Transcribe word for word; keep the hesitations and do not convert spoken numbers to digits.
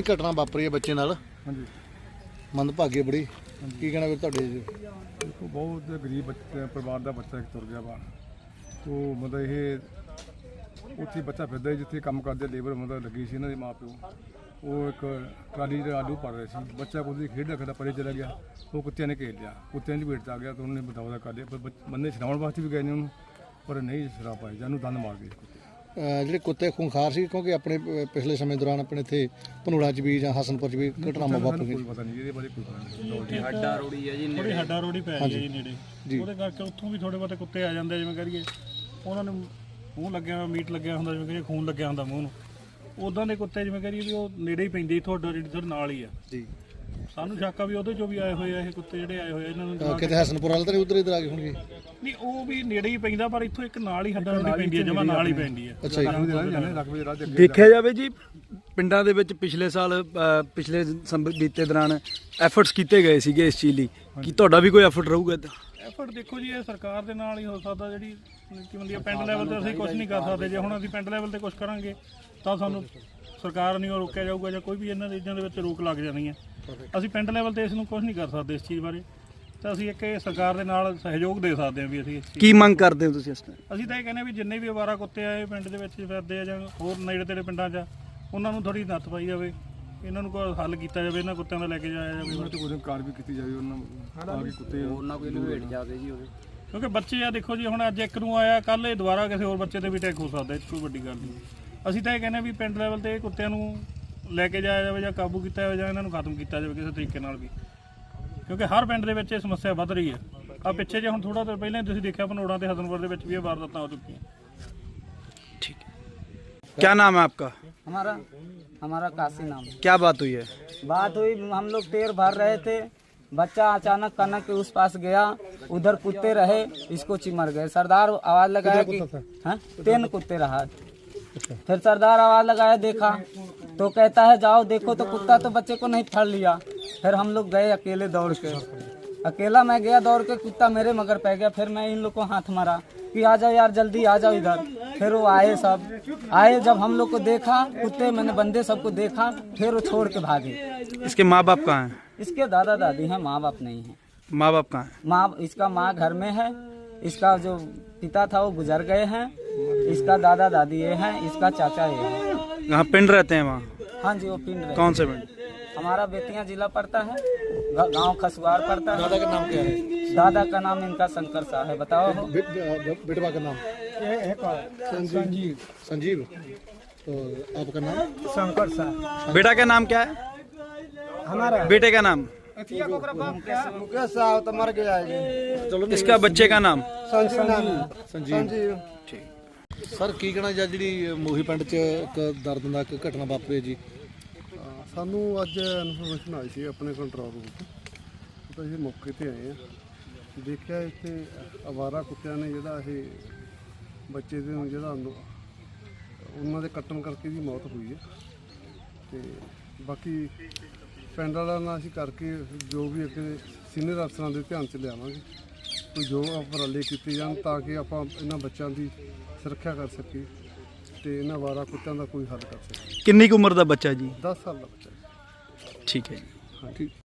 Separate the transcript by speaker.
Speaker 1: ਘਟਨਾ ਵਾਪਰੀ ਹੈ ਬੱਚੇ ਨਾਲ।
Speaker 2: ਹਾਂਜੀ
Speaker 1: ਮੰਦਭਾਗੀ ਬੜੀ, ਕੀ ਕਹਿਣਾ ਵੀਰ ਤੁਹਾਡੇ ਜੀ?
Speaker 2: ਦੇਖੋ ਬਹੁਤ ਗਰੀਬ ਬੱਚੇ ਪਰਿਵਾਰ ਦਾ ਬੱਚਾ ਇੱਕ ਤੁਰ ਗਿਆ ਵਾ। ਉਹ ਮਤਲਬ ਇਹ ਉੱਥੇ ਬੱਚਾ ਫਿਰਦਾ ਸੀ ਜਿੱਥੇ ਕੰਮ ਕਰਦੇ ਲੇਬਰ ਮਤਲਬ ਲੱਗੀ ਸੀ ਇਹਨਾਂ ਦੇ ਮਾਂ ਪਿਓ। ਉਹ ਇੱਕ ਟਰਾਲੀ ਦੇ ਆਲੂ ਭਰ ਰਹੇ ਸੀ, ਬੱਚਾ ਕੋਈ ਖੇਡਦਾ ਖੇਡਦਾ ਪਰੇ ਚਲਾ ਗਿਆ। ਉਹ ਕੁੱਤਿਆਂ ਨੇ ਘੇਰ ਲਿਆ, ਕੁੱਤਿਆਂ ਦੀ ਭੇਟ 'ਚ ਆ ਗਿਆ ਤਾਂ ਉਹਨੇ ਬਤਾਉਦਾ ਕਰ ਲਿਆ। ਪਰ ਬੰਦੇ ਛਡਾਉਣ ਵਾਸਤੇ ਵੀ ਗਏ ਨੇ ਉਹਨੂੰ, ਪਰ ਨਹੀਂ ਛਡਾ ਪਾਏ, ਜਾਨੂੰ ਦੰਦ ਮਾਰ ਗਏ ਕੁੱਤੇ।
Speaker 1: ਜਿਹੜੇ ਕੁੱਤੇ ਖੂੰਖਾਰ ਸੀ, ਕਿਉਂਕਿ ਆਪਣੇ ਪਿਛਲੇ ਸਮੇਂ ਦੌਰਾਨ ਆਪਣੇ ਇੱਥੇ ਭਨੂੜਾ 'ਚ ਵੀ ਜਾਂ ਹਸਨਪੁਰ 'ਚ ਵੀ ਘਟਨਾਵਾਂ ਵਾਪਰੀਆਂ।
Speaker 2: ਕੋਈ ਪਤਾ ਨਹੀਂ ਇਹਦੇ ਬਾਰੇ, ਕੋਈ ਪਤਾ ਨਹੀਂ।
Speaker 3: ਹੱਡਾ ਰੋੜੀ ਹੈ ਜੀ, ਥੋੜੀ ਹੱਡਾ ਰੋੜੀ ਪੈ ਗਈ ਜੀ ਨੇੜੇ, ਉਹਦੇ ਕਰਕੇ ਉੱਥੋਂ ਵੀ ਥੋੜੇ ਬਹੁਤੇ ਕੁੱਤੇ ਆ ਜਾਂਦੇ, ਜਿਵੇਂ ਕਰੀਏ ਉਹਨਾਂ ਨੂੰ ਮੂੰਹ ਲੱਗਿਆ ਹੋਇਆ, ਮੀਟ ਲੱਗਿਆ ਹੁੰਦਾ, ਜਿਵੇਂ ਕਰੀਏ ਖੂਨ ਲੱਗਿਆ ਹੁੰਦਾ ਮੂੰਹ ਨੂੰ, ਉਦਾਂ ਦੇ ਕੁੱਤੇ ਜਿਵੇਂ ਕਰੀਏ ਵੀ ਉਹ ਨੇੜੇ ਹੀ ਪੈਂਦੇ ਤੁਹਾਡਾ ਜਿਹੜੀ ਤੁਹਾਡੇ ਨਾਲ ਹੀ ਆ ਜੀ। ਸਾਨੂੰ ਸ਼ੱਕ ਆ ਵੀ ਉਹਦੇ ਚੋਂ ਵੀ ਆਏ ਹੋਏ ਆ ਇਹ ਕੁੱਤੇ ਜਿਹੜੇ ਆਏ ਹੋਏ ਆ ਇਹਨਾਂ ਨੂੰ।
Speaker 1: ਕਿਤੇ ਹਸਨਪੁਰ ਵਾਲੇ ਤਾਂ ਨਹੀਂ ਉਧਰ ਇਧਰ ਆ ਗਏ ਹੋਣਗੇ?
Speaker 3: ਨਹੀਂ, ਉਹ ਵੀ ਨੇੜੇ ਹੀ ਪੈਂਦਾ, ਪਰ ਇੱਥੋਂ ਇੱਕ ਨਾਲ ਹੀ ਹੱਡਾ ਰੋੜੀ ਪੈਂਦੀ ਹੈ, ਜਮਾ ਨਾਲ ਹੀ ਪੈਂਦੀ ਹੈ।
Speaker 1: ਅੱਛਾ ਜੀ।
Speaker 4: ਦੇਖਿਆ ਜਾਵੇ ਜੀ, ਪਿੰਡਾਂ ਦੇ ਵਿੱਚ ਪਿਛਲੇ ਸਾਲ ਪਿਛਲੇ ਬੀਤੇ ਦੌਰਾਨ ਐਫਰਟਸ ਕੀਤੇ ਗਏ ਸੀਗੇ ਇਸ ਚੀਜ਼ ਲਈ, ਕਿ ਤੁਹਾਡਾ ਵੀ ਕੋਈ ਐਫਰਟ ਰਹੂਗਾ ਇੱਦਾਂ?
Speaker 3: ਐਫਰਟ ਦੇਖੋ ਜੀ, ਇਹ ਸਰਕਾਰ ਦੇ ਨਾਲ ਹੀ ਹੋ ਸਕਦਾ। ਜਿਹੜੀ ਕੀ ਹੁੰਦੀ ਹੈ ਪਿੰਡ ਲੈਵਲ ਤੇ ਅਸੀਂ ਕੁਝ ਨਹੀਂ ਕਰ ਸਕਦੇ। ਜੇ ਹੁਣ ਅਸੀਂ ਪਿੰਡ ਲੈਵਲ ਤੇ ਕੁਝ ਕਰਾਂਗੇ ਤਾਂ ਸਾਨੂੰ ਸਰਕਾਰ ਨਹੀਂ ਉਹ ਰੋਕਿਆ ਜਾਊਗਾ, ਜਾਂ ਕੋਈ ਵੀ ਇਹਨਾਂ ਚੀਜ਼ਾਂ ਦੇ ਵਿੱਚ ਰੋਕ ਲੱਗ ਜਾਣੀ ਹੈ। ਅਸੀਂ ਪਿੰਡ ਲੈਵਲ ਤੇ ਇਸ ਨੂੰ ਕੁਝ ਨਹੀਂ ਕਰ ਸਕਦੇ ਇਸ ਚੀਜ਼ ਬਾਰੇ, ਤਾਂ ਅਸੀਂ ਇੱਕ ਇਹ ਸਰਕਾਰ ਦੇ ਨਾਲ ਸਹਿਯੋਗ ਦੇ ਸਕਦੇ ਹਾਂ ਵੀ ਅਸੀਂ
Speaker 4: ਕੀ ਮੰਗ ਕਰਦੇ ਹੋ ਤੁਸੀਂ ਇਸ ਟਾਈਮ?
Speaker 3: ਅਸੀਂ ਤਾਂ ਇਹ ਕਹਿੰਦੇ ਹਾਂ ਵੀ ਜਿੰਨੇ ਵੀ ਅਵਾਰਾ ਕੁੱਤੇ ਆਏ ਪਿੰਡ ਦੇ ਵਿੱਚ ਫਿਰਦੇ ਆ ਜਾਂ ਹੋਰ ਨੇੜੇ ਤੇੜੇ ਪਿੰਡਾਂ 'ਚ, ਉਹਨਾਂ ਨੂੰ ਥੋੜੀ ਨੱਥ ਪਾਈ ਜਾਵੇ, ਇਹਨਾਂ ਨੂੰ ਕੋਈ ਹੱਲ ਕੀਤਾ ਜਾਵੇ, ਇਹਨਾਂ ਕੁੱਤਿਆਂ ਦਾ ਲੈ ਕੇ ਜਾਇਆ ਜਾਵੇ,
Speaker 2: ਉਹਨਾਂ ਤੇ ਕੋਈ ਕਾਰ ਵੀ ਕੀਤੀ ਜਾਵੇ, ਉਹਨਾਂ ਆ ਕੇ ਕੁੱਤੇ
Speaker 5: ਉਹਨਾਂ ਕੋਈ ਲਵੇਟ ਜਾਵੇ ਜੀ ਉਹਦੇ।
Speaker 3: ਕਿਉਂਕਿ ਬੱਚੇ ਆ ਦੇਖੋ ਜੀ, ਹੁਣ ਅੱਜ ਇੱਕ ਨੂੰ ਆਇਆ, ਕੱਲ੍ਹ ਇਹ ਦੁਬਾਰਾ ਕਿਸੇ ਹੋਰ ਬੱਚੇ ਤੇ ਵੀ ਅਟੈਕ ਹੋ ਸਕਦਾ, ਇਹ 'ਚ ਕੋਈ ਵੱਡੀ ਗੱਲ ਨਹੀਂ। ਅਸੀਂ ਤਾਂ ਇਹ ਕਹਿੰਦੇ ਵੀ ਪਿੰਡ ਲੈਵਲ ਤੇ ਇਹ ਕੁੱਤਿਆਂ ਨੂੰ ਲੈ ਕੇ ਜਾਇਆ ਜਾਵੇ, ਜਾਂ ਕਾਬੂ ਕੀਤਾ ਜਾਵੇ, ਜਾਂ ਇਹਨਾਂ ਨੂੰ ਖਤਮ ਕੀਤਾ ਜਾਵੇ ਕਿਸੇ ਤਰੀਕੇ ਨਾਲ ਵੀ, ਕਿਉਂਕਿ ਹਰ ਪਿੰਡ ਦੇ ਵਿੱਚ ਇਹ ਸਮੱਸਿਆ ਵੱਧ ਰਹੀ ਹੈ। ਆ ਪਿੱਛੇ ਜੇ ਹੁਣ ਥੋੜਾ ਦੇਰ ਪਹਿਲਾਂ ਤੁਸੀਂ ਦੇਖਿਆ ਭਨੋੜਾ ਤੇ ਹਸਨਪੁਰ ਦੇ ਵਿੱਚ ਵੀ ਇਹ ਵਾਰਦਾਤਾਂ ਹੋ ਚੁੱਕੀਆਂ।
Speaker 4: ठीक है, क्या नाम है आपका?
Speaker 5: हमारा हमारा काशी नाम है।
Speaker 4: क्या बात हुई है?
Speaker 5: बात हुई, हम लोग टेर भर रहे थे, बच्चा अचानक कनक के उस पास गया, उधर कुत्ते रहे, इसको चिमर गए। सरदार आवाज लगाया कि हाँ तीन कुत्ते रहा। फिर सरदार आवाज लगाया, देखा तो कहता है जाओ देखो, तो कुत्ता तो बच्चे को नहीं फड़ लिया। फिर हम लोग गए अकेले दौड़ के, अकेला मैं गया दौड़ के, कुत्ता मेरे मगर पै गया। फिर मैं इन लोग को हाथ मारा कि आ जाओ यार जल्दी आ जाओ इधर। फिर वो आए, सब आए, जब हम लोग को देखा कुत्ते, मैंने बंदे सबको देखा, फिर वो छोड़ के भागे।
Speaker 4: इसके माँ बाप कहाँ हैं?
Speaker 5: इसके दादा दादी हैं, माँ बाप नहीं है।
Speaker 4: माँ बाप कहाँ हैं?
Speaker 5: माँ इसका माँ घर में है, इसका जो पिता था वो गुजर गए हैं, इसका दादा दादी ये हैं, इसका चाचा ये है।
Speaker 4: यहाँ पिंड रहते हैं वहाँ?
Speaker 5: हाँ जी, वो पिंड रहे।
Speaker 4: कौन से पिंड?
Speaker 5: हमारा बेतिया जिला पड़ता है, गांव खसवार पड़ता है।
Speaker 1: दादा का नाम क्या है?
Speaker 5: दादा का नाम इनका शंकर शाह है। बताओ
Speaker 1: बेटवा का नाम? संजीव। संजीव। तो आपका नाम?
Speaker 5: शंकर शाह।
Speaker 4: बेटा का नाम क्या है?
Speaker 5: हमारा
Speaker 4: बेटे का नाम?
Speaker 5: मुकेश साहब तो मर गया है।
Speaker 4: इसका बच्चे का नाम?
Speaker 1: संजीव। ठीक सर, ਕੀ ਕਹਿਣਾ ਜਾਂ ਜਿਹੜੀ ਮੋਹੀ ਪਿੰਡ 'ਚ ਇੱਕ ਦਰਦਨਾਕ ਘਟਨਾ ਵਾਪਰੀ ਜੀ?
Speaker 2: ਸਾਨੂੰ ਅੱਜ ਇਨਫੋਰਮੇਸ਼ਨ ਆਈ ਸੀ ਆਪਣੇ ਕੰਟਰੋਲ ਰੂਮ ਤੋਂ, ਤਾਂ ਅਸੀਂ ਮੌਕੇ ਤੇ ਆਏ ਆ। ਦੇਖਿਆ ਇੱਥੇ ਅਵਾਰਾ ਕੁੱਤਿਆਂ ਨੇ ਜਿਹੜਾ ਇਹ ਬੱਚੇ ਦੇ ਨੂੰ ਜਿਹੜਾ ਉਹਨਾਂ ਦੇ ਕੱਟਣ ਕਰਕੇ ਦੀ ਮੌਤ ਹੋਈ ਹੈ। ਤੇ ਬਾਕੀ ਪਿੰਡ ਵਾਲਿਆਂ ਨਾਲ ਅਸੀਂ ਕਰਕੇ ਜੋ ਵੀ ਅੱਗੇ ਸੀਨੀਅਰ ਅਫਸਰਾਂ ਦੇ ਧਿਆਨ 'ਚ ਲਿਆਵਾਂਗੇ, ਕੋਈ ਜੋ ਉਪਰਾਲੇ ਕੀਤੇ ਜਾਣ ਤਾਂ ਕਿ ਆਪਾਂ ਇਹਨਾਂ ਬੱਚਿਆਂ ਦੀ ਸੁਰੱਖਿਆ ਕਰ ਸਕੀਏ ਤੇ ਇਹਨਾਂ ਅਵਾਰਾ ਕੁੱਤਿਆਂ ਦਾ ਕੋਈ ਹੱਲ ਕਰ ਸਕੀਏ।
Speaker 4: कितनी की उम्र का बच्चा जी?
Speaker 2: दस साल का बच्चा है।
Speaker 4: ठीक है जी।
Speaker 1: हाँ ठीक।